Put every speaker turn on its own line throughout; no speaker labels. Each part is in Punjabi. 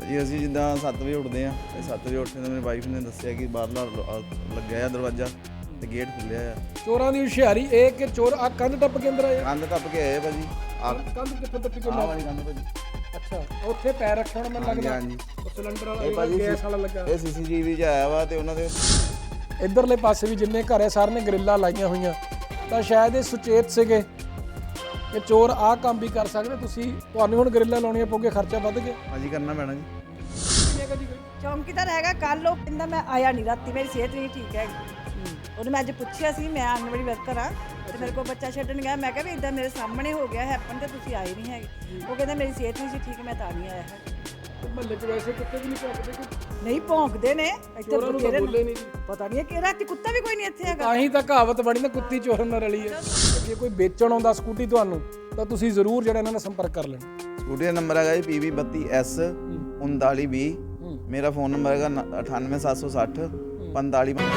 ਜੀ ਅਸੀਂ ਜਿੱਦਾਂ 7 ਵਜੇ ਉੱਠਦੇ ਆ ਤੇ 7 ਵਜੇ ਉੱਠੇ ਤਾਂ ਮੇਰੀ ਵਾਈਫ ਨੇ ਦੱਸਿਆ ਕਿ ਬਾਹਰਲਾ ਲੱਗਿਆ ਆ ਦਰਵਾਜ਼ਾ ਤੇ ਗੇਟ ਖੁੱਲਿਆ ਆ।
ਚੋਰਾਂ ਦੀ ਹੁਸ਼ਿਆਰੀ ਇਹ ਕਿ ਚੋਰ ਆ ਕੰਧ ਟੱਪ ਕੇ ਅੰਦਰ ਆਏ ਆ?
ਕੰਧ ਟੱਪ ਕੇ ਆਏ ਭਾਜੀ।
ਕੰਧ ਕਿੱਥੋਂ ਟੱਪੀ ਕੇ
ਆਹ ਵਾਲੀ ਕੰਧ ਭਾਜੀ।
ਅੱਛਾ ਉੱਥੇ ਪੈਰ ਰੱਖਿਆ ਹੁਣ ਮੈਨੂੰ ਲੱਗਦਾ।
ਹਾਂਜੀ
ਉਹ ਸਿਲੰਡਰ
ਇਹ
ਵਾਲਾ
ਭਾਜੀ
ਗੈਸ ਵਾਲਾ ਲੱਗਾ।
ਇਹ ਸੀਸੀਟੀਵੀ 'ਚ ਆਇਆ ਵਾ ਤੇ ਉਹਨਾਂ ਦੇ
ਇਧਰਲੇ ਪਾਸੇ ਵੀ ਜਿੰਨੇ ਘਰ ਹੈ ਸਾਰੇ ਨੇ ਗਰਿੱਲਾਂ ਲਾਈਆਂ ਹੋਈਆਂ ਤਾਂ ਸ਼ਾਇਦ ਇਹ ਸੁਚੇਤ ਸੀਗੇ ਕਿ ਚੋਰ ਆਹ ਕੰਮ ਵੀ ਕਰ ਸਕਦੇ। ਤੁਹਾਨੂੰ ਹੁਣ ਗਰਿੱਲਾਂ ਲਾਉਣੀਆਂ ਪਊਗੇ, ਖਰਚਾ ਵੱਧ ਗਿਆ।
ਭਾਜੀ ਕਰਨਾ ਪੈਣਾ ਜੀ।
ਚੌਂਕੀਦਾਰ ਹੈਗਾ ਕੱਲ ਉਹ ਕਹਿੰਦਾ ਮੈਂ ਆਇਆ ਨਹੀਂ ਰਾਤੀ, ਮੇਰੀ ਸਿਹਤ ਨਹੀਂ ਠੀਕ ਹੈ। ਉਹਨੇ ਮੈਂ ਅੱਜ ਪੁੱਛਿਆ ਸੀ, ਮੈਂ ਆਂਗਣਵਾੜੀ ਵਰਕਰ ਆ ਤੇ ਮੇਰੇ ਕੋਲ ਬੱਚਾ ਛੱਡਣ ਗਿਆ। ਮੈਂ ਕਿਹਾ ਵੀ ਇਦਾਂ ਮੇਰੇ ਸਾਹਮਣੇ ਹੋ ਗਿਆ ਹੈਪਨ ਤੇ ਤੁਸੀਂ ਆਏ ਨਹੀਂ ਹੈਗੇ। ਉਹ ਕਹਿੰਦਾ ਮੇਰੀ ਸਿਹਤ ਨਹੀਂ ਸੀ ਠੀਕ, ਮੈਂ ਤਾਂ ਨਹੀਂ ਆਇਆ ਹੈ।
ਮਹੱਲੇ 'ਚ ਵੈਸੇ ਕੁੱਤੇ ਵੀ ਨਹੀਂ ਭੌਂਕਦੇ ਕਿ
ਨਹੀਂ ਭੌਂਕਦੇ ਨੇ ਇੱਥੇ
ਚੋਰਾਂ ਨੂੰ ਤਾਂ
ਬਥੇਰੇ
ਬੋਲੇ ਨਹੀਂ ਜੀ।
ਪਤਾ ਨਹੀਂ ਕਿ ਰਾਤੀ ਕੁੱਤਾ ਵੀ ਕੋਈ ਨਹੀਂ ਇੱਥੇ ਹੈਗਾ।
ਤਾਂ ਹੀ ਤਾਂ ਕਹਾਵਤ ਬਣੀ ਨਾ ਕੁੱਤੀ ਚੋਰ ਨਾਲ ਰਲੀ ਹੈ। ਜੇ ਕੋਈ ਵੇਚਣ ਆਉਂਦਾ ਸਕੂਟੀ ਤੁਹਾਨੂੰ ਤਾਂ ਤੁਸੀਂ ਜ਼ਰੂਰ ਜਿਹੜਾ ਇਹਨਾਂ ਨਾਲ ਸੰਪਰਕ ਕਰ ਲੈਣਾ।
ਸਕੂਟੀ ਦਾ ਨੰਬਰ ਹੈਗਾ ਜੀ PB32S 3920। ਮੇਰਾ ਫੋਨ ਨੰਬਰ ਹੈਗਾ 98760 45।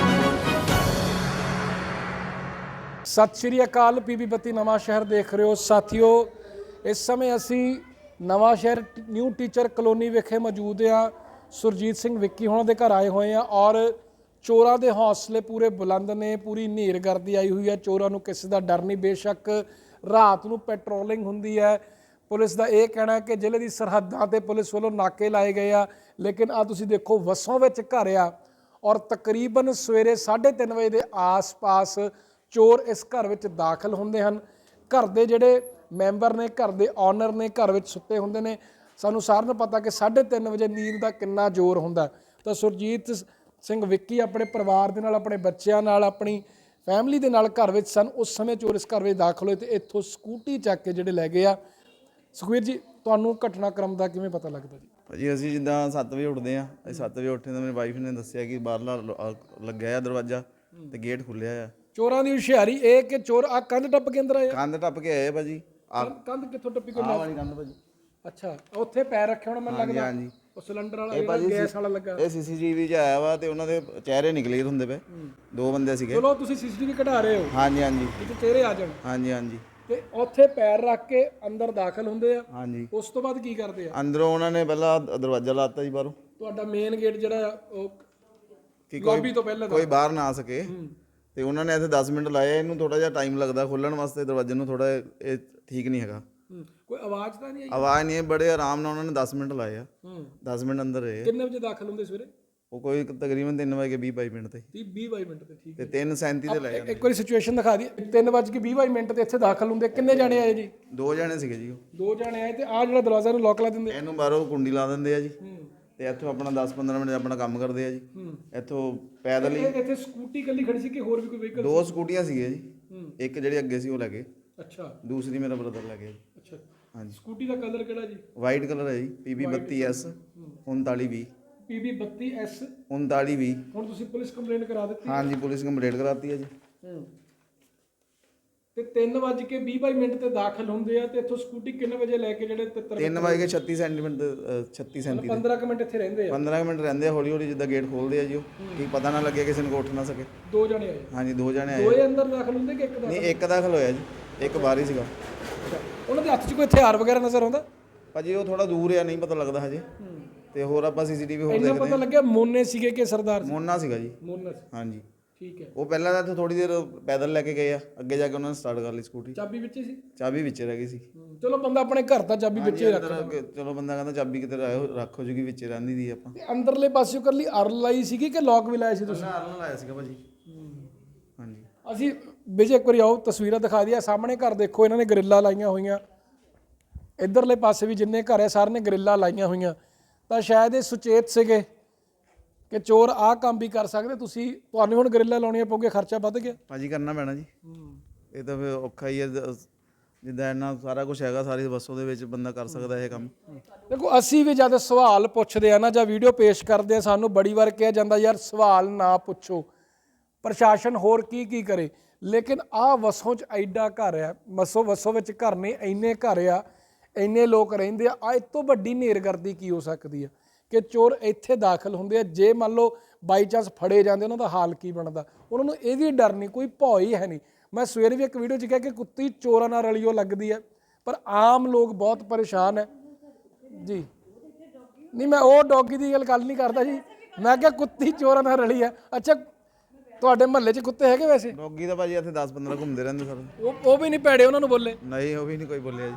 ਸਤਿ ਸ਼੍ਰੀ ਅਕਾਲ। PB32 ਨਵਾਂ ਸ਼ਹਿਰ ਦੇਖ ਰਹੇ ਹੋ ਸਾਥੀਓ। ਇਸ ਸਮੇਂ ਅਸੀਂ ਨਵਾਂ ਸ਼ਹਿਰ ਨਿਊ ਟੀਚਰ ਕਲੋਨੀ ਵਿਖੇ ਮੌਜੂਦ ਹਾਂ। ਸੁਰਜੀਤ ਸਿੰਘ ਵਿੱਕੀ ਹੋਣਾ ਦੇ ਘਰ ਆਏ ਹੋਏ ਆ ਔਰ ਚੋਰਾਂ ਦੇ ਹੌਸਲੇ ਪੂਰੇ ਬੁਲੰਦ ਨੇ। ਪੂਰੀ ਹਨੇਰਗਰਦੀ ਆਈ ਹੋਈ ਹੈ। ਚੋਰਾਂ ਨੂੰ ਕਿਸੇ ਦਾ ਡਰ ਨਹੀਂ। ਬੇਸ਼ੱਕ ਰਾਤ ਨੂੰ ਪੈਟਰੋਲਿੰਗ ਹੁੰਦੀ ਹੈ। ਪੁਲਿਸ ਦਾ ਇਹ ਕਹਿਣਾ ਹੈ ਕਿ ਜ਼ਿਲ੍ਹੇ ਦੀ ਸਰਹੱਦਾਂ ਤੇ ਪੁਲਿਸ ਵੱਲੋਂ ਨਾਕੇ ਲਾਏ ਗਏ ਆ, ਲੇਕਿਨ ਆ ਤੁਸੀਂ ਦੇਖੋ ਵਸੋਂ ਵਿੱਚ ਘਰ ਆ ਔਰ ਤਕਰੀਬਨ ਸਵੇਰੇ 3:30 ਵਜੇ ਦੇ ਆਸ-ਪਾਸ ਚੋਰ ਇਸ ਘਰ ਵਿੱਚ ਦਾਖਲ ਹੁੰਦੇ ਹਨ। ਘਰ ਦੇ ਜਿਹੜੇ ਮੈਂਬਰ ਨੇ, ਘਰ ਦੇ ਓਨਰ ਨੇ, ਘਰ ਵਿੱਚ ਸੁੱਤੇ ਹੁੰਦੇ ਨੇ। ਸਾਨੂੰ ਸਾਰਿਆਂ ਨੂੰ ਪਤਾ ਕਿ 3:30 ਵਜੇ ਨੀਂਦ ਦਾ ਕਿੰਨਾ ਜ਼ੋਰ ਹੁੰਦਾ। ਤਾਂ ਸੁਰਜੀਤ ਸਿੰਘ ਵਿੱਕੀ ਆਪਣੇ ਪਰਿਵਾਰ ਦੇ ਨਾਲ, ਆਪਣੇ ਬੱਚਿਆਂ ਨਾਲ, ਆਪਣੀ ਫੈਮਿਲੀ ਦੇ ਨਾਲ ਘਰ ਵਿੱਚ ਸਨ। ਉਸ ਸਮੇਂ ਚੋਰ ਇਸ ਘਰ ਵਿੱਚ ਦਾਖਲ ਹੋਏ ਤੇ ਇੱਥੋਂ ਸਕੂਟੀ ਚੱਕ ਕੇ ਜਿਹੜੇ ਲੈ ਗਏ ਆ। ਸੁਖਵੀਰ ਜੀ, ਤੁਹਾਨੂੰ ਘਟਨਾਕ੍ਰਮ ਦਾ ਕਿਵੇਂ ਪਤਾ ਲੱਗਦਾ ਜੀ?
ਭਾਜੀ ਅਸੀਂ ਜਿੱਦਾਂ 7 ਵਜੇ ਉੱਠਦੇ ਆ ਤੇ 7 ਵਜੇ ਉੱਠੇ ਤਾਂ ਮੇਰੀ ਵਾਈਫ ਨੇ ਦੱਸਿਆ ਕਿ ਬਾਹਰਲਾ ਲੱਗਿਆ ਆ ਦਰਵਾਜ਼ਾ ਤੇ ਗੇਟ ਖੁੱਲਿਆ ਆ।
ਚੋਰਾਂ ਦੀ ਹੁਸ਼ਿਆਰੀ ਇਹ ਕਿ ਚੋਰ ਆ ਕੰਧ ਟੱਪ ਕੇ ਅੰਦਰ ਆਏ ਆ?
ਕੰਧ ਟੱਪ ਕੇ ਆਏ ਭਾਜੀ।
ਕੰਧ ਕਿੱਥੋਂ ਟੱਪੀ ਕੇ?
ਆਹ ਵਾਲੀ ਕੰਧ ਭਾਜੀ।
ਅੱਛਾ ਉੱਥੇ ਪੈਰ ਰੱਖਿਆ ਹੁਣ ਮੈਨੂੰ ਲੱਗਦਾ।
ਹਾਂਜੀ
ਉਹ ਸਿਲੰਡਰ ਵਾਲਾ ਗੈਸ ਵਾਲਾ ਲੱਗਾ।
ਇਹ ਸੀਸੀਟੀਵੀ 'ਚ ਆਇਆ ਵਾ ਤੇ ਉਹਨਾਂ ਦੇ ਚਿਹਰੇ ਨਹੀਂ ਕਲੀਅਰ ਹੁੰਦੇ ਪਏ। 2 ਬੰਦੇ ਸੀਗੇ।
ਚਲੋ ਤੁਸੀਂ ਸੀਸੀਟੀਵੀ ਕਢਾ ਰਹੇ ਹੋ,
ਹਾਂਜੀ ਹਾਂਜੀ
ਜਿੱਥੇ ਚਿਹਰੇ ਆ ਜਾਣ।
ਹਾਂਜੀ ਹਾਂਜੀ
ਤੇ ਉੱਥੇ ਪੈਰ ਰੱਖ ਕੇ ਅੰਦਰ ਦਾਖਲ ਹੁੰਦੇ ਆ।
ਹਾਂਜੀ
ਉਸ ਤੋਂ ਬਾਅਦ ਕੀ ਕਰਦੇ ਆ?
ਅੰਦਰੋਂ ਉਹਨਾਂ ਨੇ ਪਹਿਲਾਂ ਦਰਵਾਜ਼ਾ ਲਾਤਾ ਜੀ ਬਾਹਰੋਂ
ਤੁਹਾਡਾ ਮੇਨ ਗੇਟ ਜਿਹੜਾ ਉਹ
ਕਿ
ਲੌਬੀ ਤੋਂ ਪਹਿਲਾਂ
ਕੋਈ ਬਾਹਰ ਨਾ ਆ ਸਕੇ। ਤੇ ਉਹਨਾਂ ਨੇ ਇੱਥੇ 10 ਮਿੰਟ ਲਾਏ। ਇਹਨੂੰ ਥੋੜਾ ਜਿਹਾ ਟਾਈਮ ਲੱਗਦਾ ਖੋਲਣ ਵਾਸਤੇ ਦਰਵਾਜ਼ੇ ਨੂੰ। ਥੋੜਾ ਇਹ ਠੀਕ ਨਹੀਂ ਹੈਗਾ।
ਕੋਈ ਆਵਾਜ਼ ਤਾਂ ਨਹੀਂ ਆਈ?
ਆਵਾਜ਼ ਨਹੀਂ ਹੈ। ਬੜੇ ਆਰਾਮ ਨਾਲ ਉਹਨਾਂ ਨੇ 10 ਮਿੰਟ ਲਾਏ ਆ। 10 ਮਿੰਟ ਅੰਦਰ ਰਹੇ।
ਕਿੰਨੇ ਵਜੇ ਦਾਖਲ ਹੁੰਦੇ ਸਵੇਰੇ?
ਉਹ ਕੋਈ ਤਕਰੀਬਨ 3:20 ਮਿੰਟ ਤੇ
30-20 ਮਿੰਟ ਤੇ। ਠੀਕ
ਤੇ 3:37 ਤੇ ਲਾਏ।
ਇੱਕ ਵਾਰੀ ਸਿਚੁਏਸ਼ਨ ਦਿਖਾ ਦੀ। 3:20 ਮਿੰਟ ਤੇ ਇੱਥੇ ਦਾਖਲ ਹੁੰਦੇ। ਕਿੰਨੇ ਜਾਣੇ ਆਏ ਜੀ?
2 ਜਣੇ ਸੀਗੇ ਜੀ। ਉਹ
2 ਜਾਣੇ ਆਏ ਤੇ ਆ ਜਿਹੜਾ ਦਰਵਾਜ਼ਾ ਨੂੰ ਲੋਕ ਲਾ ਦਿੰਦੇ।
ਇਹਨੂੰ ਬਾਹਰੋਂ ਕੁੰਡੀ ਲਾ ਦਿੰਦੇ ਆ ਜੀ ਤੇ ਇੱਥੋਂ ਆਪਣਾ 10-15 ਮਿੰਟ ਆਪਣਾ ਕੰਮ ਕਰਦੇ ਆ ਜੀ। ਇੱਥੋਂ ਪੈਦਲ ਹੀ।
ਇੱਥੇ ਸਕੂਟੀ ਇਕੱਲੀ ਖੜੀ ਸੀ ਕਿ ਹੋਰ ਵੀ ਕੋਈ ਵਹੀਕਲ?
2 ਸਕੂਟੀਆਂ ਸੀਗੀਆਂ ਜੀ। ਇੱਕ ਜਿਹੜੀ ਅੱਗੇ ਸੀ ਉਹ ਲੈ ਗਏ।
ਅੱਛਾ
ਦੂਸਰੀ ਮੇਰਾ ਬ੍ਰਦਰ ਲੈ ਗਿਆ ਜੀ।
ਅੱਛਾ
ਹਾਂਜੀ
ਸਕੂਟੀ ਦਾ ਕਲਰ ਕਿਹੜਾ ਜੀ?
ਵਾਈਟ ਕਲਰ ਹੈ ਜੀ। PB32S 3920।
PB32S
3920।
ਹੁਣ ਤੁਸੀਂ ਪੁਲਿਸ ਕੰਪਲੇਂਟ ਕਰਾ ਦਿੱਤੀ?
ਹਾਂਜੀ ਪੁਲਿਸ ਕੰਪਲੇਂਟ ਕਰਾਤੀ ਹੈ ਜੀ।
ਤੇ 3:20 ਮਿੰਟ ਤੇ ਦਾਖਲ ਹੁੰਦੇ ਆ ਤੇ ਇੱਥੋਂ ਸਕੂਟੀ ਕਿੰਨੇ ਵਜੇ ਲੈ ਕੇ ਜਿਹੜੇ
3:36 ਸੈਂਟੀਮੀਟਰ 36
15 ਮਿੰਟ ਇੱਥੇ ਰਹਿੰਦੇ ਆ?
15 ਮਿੰਟ ਰਹਿੰਦੇ ਆ। ਹੌਲੀ ਹੌਲੀ ਜਿੱਦਾਂ ਗੇਟ ਖੋਲਦੇ ਆ ਜੀ ਉਹ ਕੀ ਪਤਾ ਨਾ ਲੱਗੇ ਕਿਸੇ ਨੂੰ ਉੱਠ ਨਾ ਸਕੇ।
2 ਜਣੇ ਆਏ?
ਹਾਂਜੀ 2 ਜਣੇ ਆਏ।
ਦੋਏ ਅੰਦਰ ਦਾਖਲ ਹੁੰਦੇ ਕਿ ਇੱਕ ਦਾ?
ਨਹੀਂ ਇੱਕ ਦਾਖਲ ਹੋਇਆ ਜੀ, ਇੱਕ ਬਾਹਰ ਹੀ ਸੀਗਾ।
ਉਹਨਾਂ ਦੇ ਹੱਥ 'ਚ ਕੋਈ ਹਥਿਆਰ ਵਗੈਰਾ ਨਜ਼ਰ ਆਉਂਦਾ?
ਭਾਜੀ ਉਹ ਥੋੜਾ ਦੂਰ ਆ, ਨਹੀਂ ਪਤਾ ਲੱਗਦਾ ਹਜੇ। ਤੇ ਹੋਰ ਆਪਾਂ ਸੀਸੀਟੀਵੀ ਹੋਰ
ਇੰਨਾ
ਦੇਖਦੇ
ਪਤਾ ਲੱਗਿਆ ਮੋਨੇ ਸੀਗੇ ਕਿ ਸਰਦਾਰ ਸੀ?
ਮੋਨਾ ਸੀਗਾ ਜੀ।
ਮੋਨਾ ਸੀ।
ਹਾਂਜੀ
ਠੀਕ ਹੈ।
ਉਹ ਪਹਿਲਾਂ ਤਾਂ ਇੱਥੇ ਥੋੜੀ ਦੇਰ ਪੈਦਲ ਲੈ ਕੇ ਗਏ ਆ। ਅੱਗੇ ਜਾ ਕੇ ਉਹਨਾਂ ਨੇ ਸਟਾਰਟ ਕਰ ਲਈ ਸਕੂਟੀ।
ਚਾਬੀ ਵਿੱਚ ਸੀ?
ਚਾਬੀ ਵਿੱਚ ਰਹਿ ਗਈ ਸੀ।
ਚਲੋ ਬੰਦਾ ਆਪਣੇ ਘਰ ਦਾ ਚਾਬੀ ਵਿੱਚ ਹੀ ਰੱਖਦਾ।
ਚਲੋ ਬੰਦਾ ਕਹਿੰਦਾ ਚਾਬੀ ਕਿਤੇ ਰੱਖ ਹੋ ਜੂਗੀ, ਵਿੱਚ ਰਹਿੰਦੀ ਦੀ ਆਪਾਂ।
ਤੇ ਅੰਦਰਲੇ ਪਾਸਿਓਂ ਕਰ ਲਈ ਅਰਲ ਲਾਈ ਸੀਗੀ ਕਿ ਲੌਕ ਵੀ ਲਾਇਆ ਸੀ ਤੁਸੀਂ?
ਅਰਲ ਲਾਇਆ ਸੀਗਾ ਭਾਜੀ। ਹਾਂਜੀ
ਅਸੀਂ ਵਿਜੇ ਇੱਕ ਵਾਰੀ ਆਓ ਤਸਵੀਰਾਂ ਦਿਖਾ ਦਿਆ। ਸਾਹਮਣੇ ਘਰ ਦੇਖੋ, ਇਹਨਾਂ ਨੇ ਗਰਿੱਲਾਂ ਲਾਈਆਂ ਹੋਈਆਂ। ਇਧਰਲੇ ਪਾਸੇ ਵੀ ਜਿੰਨੇ ਘਰ ਹੈ ਸਾਰੇ ਨੇ ਗਰਿੱਲਾਂ ਲਾਈਆਂ ਹੋਈਆਂ। ਤਾਂ ਸ਼ਾਇਦ ਇਹ ਸੁਚੇਤ ਸੀਗੇ ਕਿ ਚੋਰ ਆਹ ਕੰਮ ਵੀ ਕਰ ਸਕਦੇ। ਤੁਹਾਨੂੰ ਹੁਣ ਗਰਿੱਲਾਂ ਲਾਉਣੀਆਂ ਪਊਗੇ, ਖਰਚਾ ਵੱਧ ਗਿਆ।
ਭਾਜੀ ਕਰਨਾ ਪੈਣਾ ਜੀ। ਇਹ ਤਾਂ ਫਿਰ ਔਖਾ ਹੀ ਹੈ। ਜਿੱਦਾਂ ਇੰਨਾ ਸਾਰਾ ਕੁਝ ਹੈਗਾ, ਸਾਰੀ ਬੱਸੋਂ ਦੇ ਵਿੱਚ ਬੰਦਾ ਕਰ ਸਕਦਾ ਇਹ ਕੰਮ।
ਦੇਖੋ ਅਸੀਂ ਵੀ ਜਦ ਸਵਾਲ ਪੁੱਛਦੇ ਆ ਨਾ ਜਾਂ ਵੀਡੀਓ ਪੇਸ਼ ਕਰਦੇ ਆ, ਸਾਨੂੰ ਬੜੀ ਵਾਰ ਕਿਹਾ ਜਾਂਦਾ ਯਾਰ ਸਵਾਲ ਨਾ ਪੁੱਛੋ, ਪ੍ਰਸ਼ਾਸਨ ਹੋਰ ਕੀ ਕਰੇ। ਲੇਕਿਨ ਆਹ ਵਸੋਂ 'ਚ ਐਡਾ ਘਰ ਆ, ਵਸੋਂ ਵਿੱਚ ਘਰ ਨੇ, ਇੰਨੇ ਘਰ ਆ, ਇੰਨੇ ਲੋਕ ਰਹਿੰਦੇ ਆ। ਇਹ ਤੋਂ ਵੱਡੀ ਹਨੇਰਗਰਦੀ ਕੀ ਹੋ ਸਕਦੀ ਆ ਕਿ ਚੋਰ ਇੱਥੇ ਦਾਖਲ ਹੁੰਦੇ ਆ। ਜੇ ਮੰਨ ਲਓ ਬਾਈ ਚਾਂਸ ਫੜੇ ਜਾਂਦੇ, ਉਹਨਾਂ ਦਾ ਹਾਲ ਕੀ ਬਣਦਾ? ਉਹਨਾਂ ਨੂੰ ਇਹ ਵੀ ਡਰ ਨਹੀਂ, ਕੋਈ ਭੌ ਹੀ ਹੈ ਨਹੀਂ। ਮੈਂ ਸਵੇਰੇ ਵੀ ਇੱਕ ਵੀਡੀਓ 'ਚ ਕਿਹਾ ਕਿ ਕੁੱਤੀ ਚੋਰਾਂ ਨਾਲ ਰਲੀਓ ਲੱਗਦੀ ਹੈ, ਪਰ ਆਮ ਲੋਕ ਬਹੁਤ ਪਰੇਸ਼ਾਨ ਹੈ ਜੀ। ਨਹੀਂ ਮੈਂ ਉਹ ਡੌਗੀ ਦੀ ਗੱਲ ਨਹੀਂ ਕਰਦਾ ਜੀ, ਮੈਂ ਕਿਹਾ ਕੁੱਤੀ ਚੋਰਾਂ ਨਾਲ ਰਲੀ ਆ। ਅੱਛਾ ਤੁਹਾਡੇ ਮਹੱਲੇ 'ਚ ਕੁੱਤੇ ਹੈਗੇ ਵੈਸੇ?
ਡੌਗੀ ਤਾਂ ਭਾਜੀ ਇੱਥੇ 10-15 ਘੁੰਮਦੇ ਰਹਿੰਦੇ ਸਰ।
ਉਹ ਵੀ ਨਹੀਂ ਭੈੜੇ, ਉਹਨਾਂ ਨੂੰ ਬੋਲੇ?
ਨਹੀਂ, ਉਹ ਵੀ ਨਹੀਂ ਕੋਈ ਬੋਲਿਆ ਜੀ।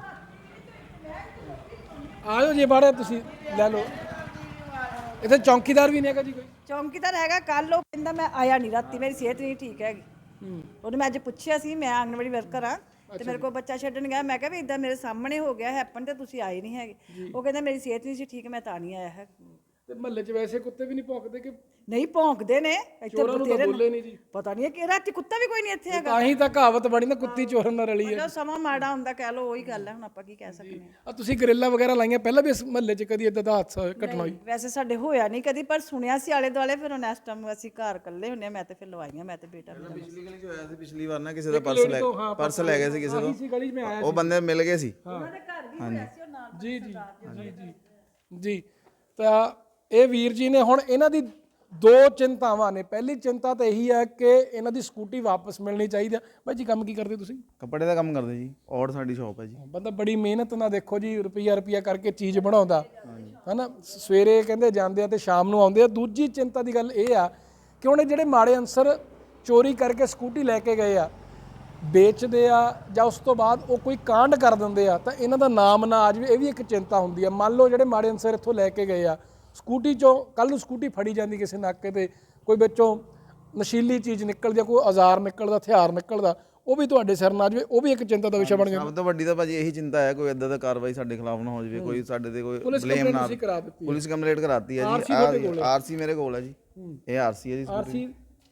ਆਜੋ ਜੀ ਬਾੜੇ, ਤੁਸੀਂ ਲੈ ਲਓ। ਇੱਥੇ ਚੌਂਕੀਦਾਰ ਵੀ ਨਹੀਂ ਹੈਗਾ ਜੀ ਕੋਈ?
ਚੌਂਕੀਦਾਰ ਹੈਗਾ, ਕੱਲ ਉਹ ਕਹਿੰਦਾ ਮੈਂ ਆਇਆ ਨਹੀਂ ਰਾਤੀ, ਮੇਰੀ ਸਿਹਤ ਨਹੀਂ ਠੀਕ ਹੈਗੀ। ਉਹਨੇ ਮੈਂ ਅੱਜ ਪੁੱਛਿਆ ਸੀ, ਮੈਂ ਆਂਗਣਵਾੜੀ ਵਰਕਰ ਆ ਤੇ ਮੇਰੇ ਕੋਲ ਬੱਚਾ ਛੱਡਣ ਗਿਆ। ਮੈਂ ਕਿਹਾ ਵੀ ਇਦਾਂ ਮੇਰੇ ਸਾਹਮਣੇ ਹੋ ਗਿਆ ਹੈਪਨ ਤੇ ਤੁਸੀਂ ਆਏ ਨਹੀਂ ਹੈਗੇ। ਉਹ ਕਹਿੰਦਾ ਮੇਰੀ ਸਿਹਤ ਨਹੀਂ ਸੀ ਠੀਕ, ਮੈਂ ਤਾਂ ਨਹੀਂ ਆਇਆ ਹੈ।
ਤੇ ਮਹੱਲੇ 'ਚ ਵੈਸੇ ਕੁੱਤੇ ਵੀ ਨਹੀਂ ਭੌਂਕਦੇ ਕਿ?
ਨਹੀਂ ਭੌਂਕਦੇ ਨੇ ਇੱਥੇ
ਚੋਰਾਂ ਨੂੰ ਤਾਂ
ਬਥੇਰੇ
ਬੋਲੇ
ਨੇ।
ਨਹੀਂ ਜੀ।
ਪਤਾ ਨਹੀਂ ਕਿ ਰਾਤੀ ਕੁੱਤਾ ਵੀ ਕੋਈ ਨਹੀਂ ਇੱਥੇ ਹੈਗਾ।
ਤਾਂ ਹੀ ਤਾਂ ਕਹਾਵਤ ਬਣੀ ਨਾ, ਕੁੱਤੀ ਚੋਰਾਂ ਨਾਲ ਰਲੀ ਹੈ।
ਜੋ ਸਮਾਂ ਮਾੜਾ ਹੁੰਦਾ ਕਹਿ ਲੋ, ਉਹੀ ਗੱਲ ਹੈ, ਹੁਣ ਆਪਾਂ ਕੀ ਕਹਿ ਸਕਦੇ ਹਾਂ।
ਆ ਤੁਸੀਂ ਗਰਿੱਲਾਂ ਵਗੈਰਾ ਲਾਈਆਂ ਪਹਿਲਾਂ ਵੀ ਇਸ ਮਹੱਲੇ 'ਚ ਕਦੀ ਇਦਾਂ ਦਾ ਹਾਦਸਾ ਘਟਨਾ ਹੋਈ?
ਵੈਸੇ ਸਾਡੇ ਹੋਇਆ ਨਹੀਂ ਕਦੀ, ਪਰ ਸੁਣਿਆ ਸੀ ਆਲੇ ਦੁਆਲੇ। ਫਿਰ ਹੁਣ ਇਸ ਟਾਈਮ ਅਸੀਂ ਘਰ ਇਕੱਲੇ ਹੁੰਨੇ, ਮੈਂ ਤੇ ਫਿਰ ਲਵਾਈਆਂ, ਮੈਂ ਤੇ ਬੇਟਾ ਮੇਰਾ।
ਪਿਛਲੀ ਗਲੀ 'ਚ ਹੋਇਆ ਸੀ, ਪਿਛਲੀ ਵਾਰ ਨਾ ਕਿਸੇ ਦਾ ਪਰਸ ਲੈ ਗਏ ਸੀ ਕਿਸੇ ਤੋਂ।
ਇਸੀ ਗਲੀ 'ਚ ਮੈਂ ਆਇਆ
ਉਹ ਬੰਦੇ ਮਿਲ ਗਏ ਸੀ।
ਉਹਨਾਂ ਦੇ ਘਰ ਵੀ ਹੋਇਆ ਸੀ ਉਹ ਨਾਲ।
ਜੀ ਜੀ ਜੀ ਜੀ ਜੀ। ਤਾਂ ਇਹ ਵੀਰ ਜੀ ਨੇ, ਹੁਣ ਇਹਨਾਂ ਦੀ ਦੋ ਚਿੰਤਾਵਾਂ ਨੇ। ਪਹਿਲੀ ਚਿੰਤਾ ਤਾਂ ਇਹੀ ਹੈ ਕਿ ਇਹਨਾਂ ਦੀ ਸਕੂਟੀ ਵਾਪਸ ਮਿਲਣੀ ਚਾਹੀਦੀ ਹੈ। ਭਾਈ ਜੀ ਕੰਮ ਕੀ ਕਰਦੇ ਤੁਸੀਂ?
ਕੱਪੜੇ ਦਾ ਕੰਮ ਕਰਦੇ ਜੀ, ਔਰ ਸਾਡੀ ਸ਼ਾਪ ਹੈ ਜੀ।
ਬੰਦਾ ਬੜੀ ਮਿਹਨਤ ਨਾਲ ਦੇਖੋ ਜੀ, ਰੁਪਈਆ ਕਰਕੇ ਚੀਜ਼ ਬਣਾਉਂਦਾ ਹਨਾ। ਸਵੇਰੇ ਕਹਿੰਦੇ ਜਾਂਦੇ ਆ ਤੇ ਸ਼ਾਮ ਨੂੰ ਆਉਂਦੇ ਆ। ਦੂਜੀ ਚਿੰਤਾ ਦੀ ਗੱਲ ਇਹ ਆ ਕਿ ਹੁਣ ਇਹ ਜਿਹੜੇ ਮਾੜੇ ਅਨਸਰ ਚੋਰੀ ਕਰਕੇ ਸਕੂਟੀ ਲੈ ਕੇ ਗਏ ਆ, ਵੇਚਦੇ ਆ ਜਾਂ ਉਸ ਤੋਂ ਬਾਅਦ ਉਹ ਕੋਈ ਕਾਂਡ ਕਰ ਦਿੰਦੇ ਆ, ਤਾਂ ਇਹਨਾਂ ਦਾ ਨਾਮ ਨਾ ਆ ਜਾਵੇ, ਇਹ ਵੀ ਇੱਕ ਚਿੰਤਾ ਹੁੰਦੀ ਆ। ਮੰਨ ਲਓ ਜਿਹੜੇ ਮਾੜੇ ਅਨਸਰ ਇੱਥੋਂ ਲੈ ਕੇ ਗਏ ਆ ਸਕੂਟੀ 'ਚੋਂ, ਕੱਲ ਨੂੰ ਸਕੂਟੀ ਫੜੀ ਜਾਂਦੀ ਕਿਸੇ ਨਾਕੇ ਤੇ, ਕੋਈ ਵਿੱਚੋਂ ਨਸ਼ੀਲੀ ਚੀਜ਼ ਨਿਕਲਦੀ ਆ, ਕੋਈ ਔਜ਼ਾਰ ਨਿਕਲਦਾ, ਹਥਿਆਰ ਨਿਕਲਦਾ, ਉਹ ਵੀ ਤੁਹਾਡੇ ਸਿਰ ਨਾ ਆ ਜਾਵੇ, ਉਹ ਵੀ ਇੱਕ ਚਿੰਤਾ ਦਾ ਵਿਸ਼ਾ ਬਣ ਜਾਂਦਾ।
ਸਭ ਤੋਂ ਵੱਡੀ ਤਾਂ ਭਾਜੀ ਇਹੀ ਚਿੰਤਾ ਹੈ ਕੋਈ ਇਦਾਂ ਦਾ ਕਾਰਵਾਈ ਸਾਡੇ ਖਿਲਾਫ ਨਾ ਹੋ ਜਾਵੇ, ਕੋਈ ਸਾਡੇ ਤੇ ਕੋਈ ਬਲੇਮ ਨਾ। ਪੁਲਿਸ ਕੰਪਲੇਂਟ ਕਰਾਤੀ ਹੈ ਜੀ, ਆਰਸੀ ਮੇਰੇ ਕੋਲ ਹੈ ਜੀ। ਇਹ ਆਰਸੀ ਹੈ ਜੀ,
ਆਰਸੀ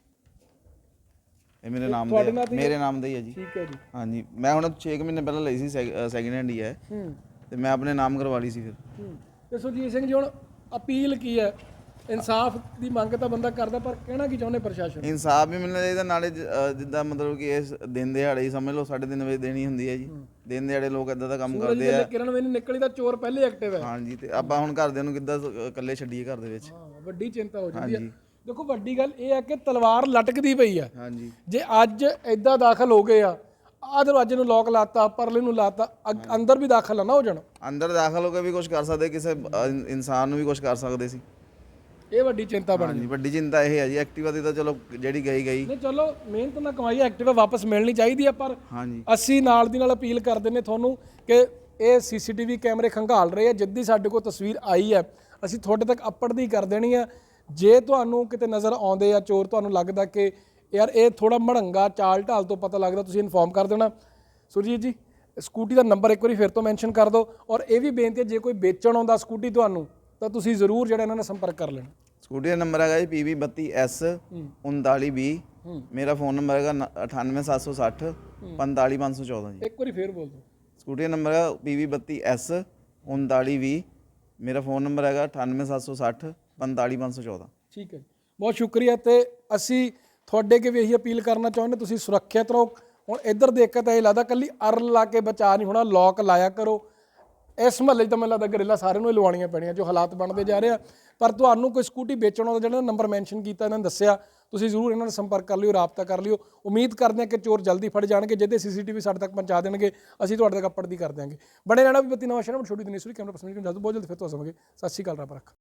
ਇਹ ਮੇਰੇ ਨਾਮ ਦਾ ਹੀ ਹੈ ਜੀ।
ਠੀਕ ਹੈ ਜੀ।
ਹਾਂਜੀ, ਮੈਂ ਹੁਣ 6 ਮਹੀਨੇ ਪਹਿਲਾਂ ਲਈ ਸੀ, ਸੈਕਿੰਡ ਹੈਂਡ ਹੀ ਹੈ ਤੇ ਮੈਂ ਆਪਣੇ ਨਾਮ ਕਰਵਾ ਲਈ ਸੀ ਫਿਰ।
ਤੇ ਸੁਰਜੀਤ ਸਿੰਘ ਜੀ, ਹੁਣ ਅਪੀਲ ਕੀ ਹੈ? ਇਨਸਾਫ ਦੀ ਮੰਗ ਤਾਂ ਬੰਦਾ ਕਰਦਾ, ਪਰ ਕਹਿਣਾ ਕੀ ਚਾਹੁੰਦੇ ਪ੍ਰਸ਼ਾਸਨ?
ਇਨਸਾਫ ਵੀ ਮਿਲਣਾ ਚਾਹੀਦਾ, ਨਾਲੇ ਜਿੱਦਾਂ ਮਤਲਬ ਕਿ ਇਸ ਦਿਨ ਦਿਹਾੜੇ ਹੀ ਸਮਝ ਲਓ 3:30 ਵਜੇ ਦੇਣੀ ਹੁੰਦੀ ਹੈ ਜੀ। ਦਿਨ ਦਿਹਾੜੇ ਲੋਕ ਇਦਾਂ ਦਾ ਕੰਮ ਕਰਦੇ ਆ।
ਕਿਰਨ ਵੀ ਨਹੀਂ ਨਿਕਲੀ ਤਾਂ ਚੋਰ ਪਹਿਲੇ ਐਕਟਿਵ ਹੈ।
ਹਾਂਜੀ, ਤੇ ਆਪਾਂ ਹੁਣ ਘਰਦਿਆਂ ਨੂੰ ਕਿੱਦਾਂ ਇਕੱਲੇ ਛੱਡੀਏ ਘਰ ਦੇ ਵਿੱਚ?
ਵੱਡੀ ਚਿੰਤਾ ਹੋ ਜਾਂਦੀ ਹੈ। ਦੇਖੋ ਵੱਡੀ ਗੱਲ ਇਹ ਹੈ ਕਿ ਤਲਵਾਰ ਲਟਕਦੀ ਪਈ ਆ।
ਹਾਂਜੀ,
ਜੇ ਅੱਜ ਇਦਾਂ ਦਾਖਲ ਹੋ ਗਏ ਆ, ਆਹ ਦਰਵਾਜ਼ੇ ਨੂੰ ਲੋਕ ਲਾਤਾ, ਪਰਲੇ ਨੂੰ ਲਾਤਾ, ਅੰਦਰ ਵੀ ਦਾਖਲ ਨਾ ਹੋ ਜਾਣ।
ਅੰਦਰ ਦਾਖਲ ਹੋ ਕੇ ਵੀ ਕੁਝ ਕਰ ਸਕਦੇ, ਕਿਸੇ ਇਨਸਾਨ ਨੂੰ ਵੀ ਕੁਝ ਕਰ ਸਕਦੇ ਸੀ।
ਇਹ ਵੱਡੀ ਚਿੰਤਾ ਬਣ
ਹਾਂਜੀ, ਵੱਡੀ ਚਿੰਤਾ ਇਹ ਹੈ ਜੀ। ਐਕਟਿਵਾ ਦੀ ਤਾਂ ਚਲੋ ਜਿਹੜੀ ਗਈ
ਨਹੀਂ, ਚਲੋ ਮਿਹਨਤ ਨਾਲ ਕਮਾਈ ਐਕਟਿਵਾ ਵਾਪਸ ਮਿਲਣੀ ਚਾਹੀਦੀ ਹੈ, ਪਰ
ਹਾਂਜੀ
ਅਸੀਂ ਨਾਲ ਦੀ ਨਾਲ ਅਪੀਲ ਕਰਦੇ ਨੇ ਤੁਹਾਨੂੰ ਕਿ ਇਹ ਸੀਸੀਟੀਵੀ ਕੈਮਰੇ ਖੰਗਾਲ ਰਹੇ ਆ। ਜਿੱਦੀ ਸਾਡੇ ਕੋਲ ਤਸਵੀਰ ਆਈ ਹੈ ਅਸੀਂ ਤੁਹਾਡੇ ਤੱਕ ਅੱਪੜਦੀ ਕਰ ਦੇਣੀ ਆ। ਜੇ ਤੁਹਾਨੂੰ ਕਿਤੇ ਨਜ਼ਰ ਆਉਂਦੇ ਆ ਚੋਰ, ਤੁਹਾਨੂੰ ਲੱਗਦਾ ਕਿ ਯਾਰ ਇਹ ਥੋੜਾ ਮੜੰਗਾ ਚਾਲ ਢਾਲ ਤੋਂ ਪਤਾ ਲੱਗਦਾ, ਤੁਸੀਂ ਇਨਫੋਰਮ ਕਰ ਦੇਣਾ। ਸੁਰਜੀਤ ਜੀ, ਸਕੂਟੀ ਦਾ ਨੰਬਰ ਇੱਕ ਵਾਰੀ ਫਿਰ ਤੋਂ ਮੈਂਸ਼ਨ ਕਰ ਦਿਓ। ਔਰ ਇਹ ਵੀ ਬੇਨਤੀ ਹੈ, ਜੇ ਕੋਈ ਵੇਚਣ ਆਉਂਦਾ ਸਕੂਟੀ ਤੁਹਾਨੂੰ, ਤਾਂ ਤੁਸੀਂ ਜ਼ਰੂਰ ਜਿਹੜਾ ਇਹਨਾਂ ਨਾਲ ਸੰਪਰਕ ਕਰ ਲੈਣਾ।
ਸਕੂਟੀ ਦਾ ਨੰਬਰ ਹੈਗਾ ਜੀ PB32S 3920। ਮੇਰਾ ਫੋਨ ਨੰਬਰ ਹੈਗਾ 98760 45514 ਜੀ।
ਇੱਕ ਵਾਰੀ ਫੇਰ ਬੋਲ ਦਿਓ।
ਸਕੂਟੀ ਦਾ ਨੰਬਰ ਹੈਗਾ PB32S 3920। ਮੇਰਾ ਫੋਨ ਨੰਬਰ ਹੈਗਾ 98760 45514।
ਠੀਕ ਹੈ, ਬਹੁਤ ਸ਼ੁਕਰੀਆ। ਤੇ ਅਸੀਂ ਤੁਹਾਡੇ ਅੱਗੇ ਵੀ ਇਹੀ ਅਪੀਲ ਕਰਨਾ ਚਾਹੁੰਦੇ, ਤੁਸੀਂ ਸੁਰੱਖਿਅਤ ਰਹੋ। ਹੁਣ ਇੱਧਰ ਦੇਖ ਕੇ ਤਾਂ ਇਹ ਲੱਗਦਾ ਕੱਲੀ ਅਰਲ ਲਾ ਕੇ ਬਚਾ ਨਹੀਂ ਹੋਣਾ, ਲੋਕ ਲਾਇਆ ਕਰੋ। ਇਸ ਮਹੱਲੇ 'ਚ ਤਾਂ ਮੈਨੂੰ ਲੱਗਦਾ ਗਰਿੱਲਾ ਸਾਰਿਆਂ ਨੂੰ ਹੀ ਲਵਾਉਣੀਆਂ ਪੈਣੀਆਂ, ਜੋ ਹਾਲਾਤ ਬਣਦੇ ਜਾ ਰਹੇ ਆ। ਪਰ ਤੁਹਾਨੂੰ ਕੋਈ ਸਕੂਟੀ ਵੇਚਣ ਦਾ ਜਿਹੜਾ ਨੰਬਰ ਮੈਂਸ਼ਨ ਕੀਤਾ, ਇਹਨਾਂ ਨੇ ਦੱਸਿਆ, ਤੁਸੀਂ ਜ਼ਰੂਰ ਇਹਨਾਂ ਨਾਲ ਸੰਪਰਕ ਕਰ ਲਿਓ, ਰਾਬਤਾ ਕਰ ਲਿਓ। ਉਮੀਦ ਕਰਦੇ ਹਾਂ ਕਿ ਚੋਰ ਜਲਦੀ ਫੜ ਜਾਣਗੇ, ਜਿਹਦੇ ਸੀਸੀਟੀਵੀ ਸਾਡੇ ਤੱਕ ਪਹੁੰਚਾ ਦੇਣਗੇ, ਅਸੀਂ ਤੁਹਾਡੇ ਤੱਕ ਅੱਪੜਦੀ ਕਰ ਦਿਆਂਗੇ। ਬਣੇ ਰਹਿਣਾ ਵੀ ਬੱਤੀ ਨਵਾਂ ਸ਼ਹਿਰ, ਛੋਟੀ ਦਿਨੇਸ਼ਵਰੀ ਕੈਮਰਾ ਪਰਸਨ, ਬਹੁਤ ਜਲਦੀ ਫਿਰ ਤੋਂ ਆਵਾਂਗੇ। ਸਤਿ ਸ਼੍ਰੀ ਅਕਾਲ, ਰੱਬ ਰੱਖਾ।